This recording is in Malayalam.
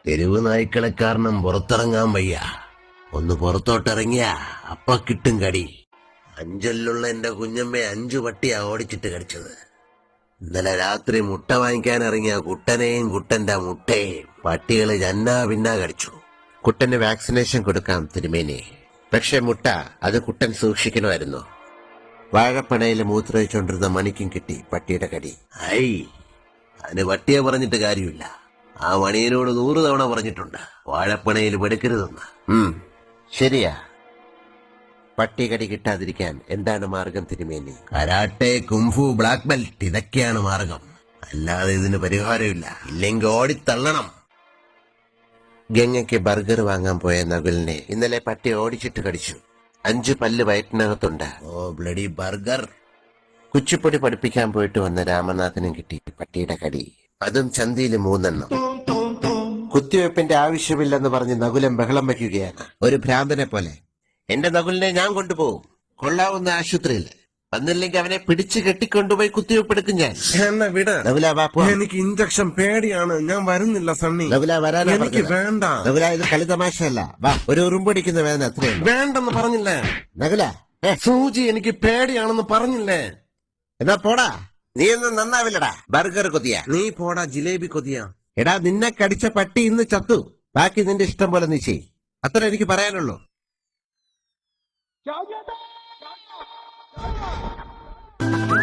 തെരുവ് നായ്ക്കളെ കാരണം പുറത്തിറങ്ങാൻ വയ്യ. ഒന്ന് പുറത്തോട്ടിറങ്ങിയ അപ്പ കിട്ടും കടി. അഞ്ചലിലുള്ള എന്റെ കുഞ്ഞമ്മയെ 5 പട്ടിയാ ഓടിച്ചിട്ട് കടിച്ചത്. ഇന്നലെ രാത്രി മുട്ട വാങ്ങിക്കാൻ ഇറങ്ങിയ കുട്ടനെയും കുട്ടന്റെ മുട്ടയും പട്ടികള് ജന്നാ പിന്നാ കടിച്ചു. കുട്ടന് വാക്സിനേഷൻ കൊടുക്കാം തിരുമേനി. പക്ഷെ മുട്ട അത് കുട്ടൻ സൂക്ഷിക്കണമായിരുന്നു. വാഴപ്പണയില് മൂത്രമൊഴിച്ചോണ്ടിരുന്ന മണിക്കും കിട്ടി പട്ടിയുടെ കടി. ഐ, അതിന് പട്ടിയെ പറഞ്ഞിട്ട് കാര്യമില്ല. ആ മണിയനോട് 100 തവണ പറഞ്ഞിട്ടുണ്ട് വാഴപ്പണയിൽ പെടുക്കരുതെന്ന്. ശരിയാ. പട്ടി കടി കിട്ടാതിരിക്കാൻ എന്താണ് മാർഗം തിരുമേനി? കരാട്ടെ, കുംഫു, ബ്ലാക്ക് ബെൽറ്റ്, ഇതൊക്കെയാണ് മാർഗം. അല്ലാതെ ഇതിന് പരിഹാരമില്ല. ഇല്ലെങ്കിൽ ഓടിത്തള്ളണം. ഗംഗയ്ക്ക് ബർഗർ വാങ്ങാൻ പോയ നകുലിനെ ഇന്നലെ പട്ടി ഓടിച്ചിട്ട് കടിച്ചു. 5 പല്ല് വയറ്റിനകത്തുണ്ട്. ഓ ബ്ലഡി ബർഗർ. കുച്ചിപ്പൊടി പഠിപ്പിക്കാൻ പോയിട്ട് വന്ന രാമനാഥനും കിട്ടി പട്ടിയുടെ കടി. അതും ചന്തിയില് 3 എണ്ണം. കുത്തിവെപ്പിന്റെ ആവശ്യമില്ലെന്ന് പറഞ്ഞ് നകുലം ബഹളം വയ്ക്കുകയാണ്, ഒരു ഭ്രാന്തനെ പോലെ. എന്റെ നകുലിനെ ഞാൻ കൊണ്ടുപോകും കൊള്ളാവുന്ന ആശുപത്രിയിൽ. വന്നില്ലെങ്കിൽ അവനെ പിടിച്ചു കെട്ടിക്കൊണ്ടുപോയി കുത്തിവെപ്പെടുക്കും ഞാൻ. എന്നെ വിട്. നകുല വാ, എനിക്ക് ഇഞ്ചക്ഷൻ പേടിയാണ്, ഞാൻ വരുന്നില്ല സണ്ണി. നകുല വരാനാ എനിക്ക് പറഞ്ഞത്. വേണ്ട. നകുല, ഇത് കളി തമാശയല്ല. വാ, ഒരു ഉറുമ്പടിക്കുന്ന വേദന അത്രയുണ്ട്. വേണ്ടെന്ന് പറഞ്ഞില്ലേ നകുല? സൂചി എനിക്ക് പേടിയാണെന്ന് പറഞ്ഞില്ലേ? എന്നാ പോടാ. നീ ഒന്നും നന്നാവില്ലടാ. ബർഗർ കൊതിയ. നീ പോടാ ജിലേബി കൊതിയ. എടാ, നിന്നെ കടിച്ച പട്ടി ഇന്ന് ചത്തു. ബാക്കി നിന്റെ ഇഷ്ടം പോലെ നീ ചെയ്. അത്ര എനിക്ക് പറയാനുള്ളൂ. क्या